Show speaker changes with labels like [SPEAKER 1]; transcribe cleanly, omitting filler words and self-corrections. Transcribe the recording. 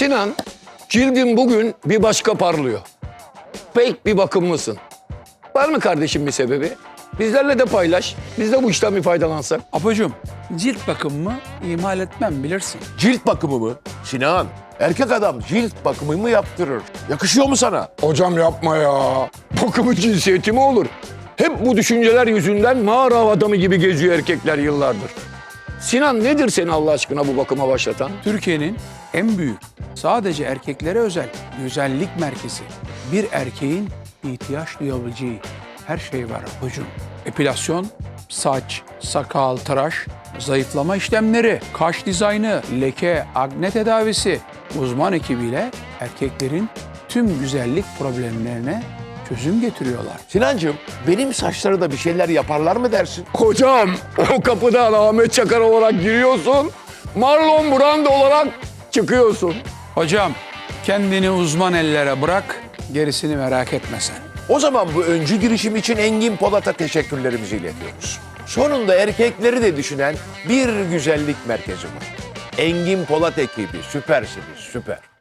[SPEAKER 1] Sinan, cildin bugün bir başka parlıyor. Pek bir bakımlısın. Var mı kardeşim bir sebebi? Bizlerle de paylaş. Biz de bu işten bir faydalansak.
[SPEAKER 2] Apocuğum, cilt bakımımı ihmal etmem bilirsin.
[SPEAKER 3] Cilt bakımı mı? Sinan, erkek adam cilt bakımı mı yaptırır? Yakışıyor mu sana?
[SPEAKER 1] Hocam yapma ya. Bakımın cinsiyeti mi olur? Hep bu düşünceler yüzünden mağara adamı gibi geziyor erkekler yıllardır. Sinan, nedir seni Allah aşkına bu bakıma başlatan?
[SPEAKER 2] Türkiye'nin en büyük, sadece erkeklere özel güzellik merkezi. Bir erkeğin ihtiyaç duyabileceği her şey var Apocuğum. Epilasyon, saç, sakal, tıraş, zayıflama işlemleri, kaş dizaynı, leke, akne tedavisi. Uzman ekibiyle erkeklerin tüm güzellik problemlerine çözüm getiriyorlar.
[SPEAKER 3] Sinancığım, benim saçlara da bir şeyler yaparlar mı dersin?
[SPEAKER 1] Hocam, o kapıdan Ahmet Çakar olarak giriyorsun, Marlon Brando olarak çıkıyorsun.
[SPEAKER 2] Hocam, kendini uzman ellere bırak, gerisini merak etme sen.
[SPEAKER 3] O zaman bu öncü girişim için Engin Polat'a teşekkürlerimizi iletiyoruz. Sonunda erkekleri de düşünen bir güzellik merkezi var. Engin Polat ekibi süpersiniz, süper.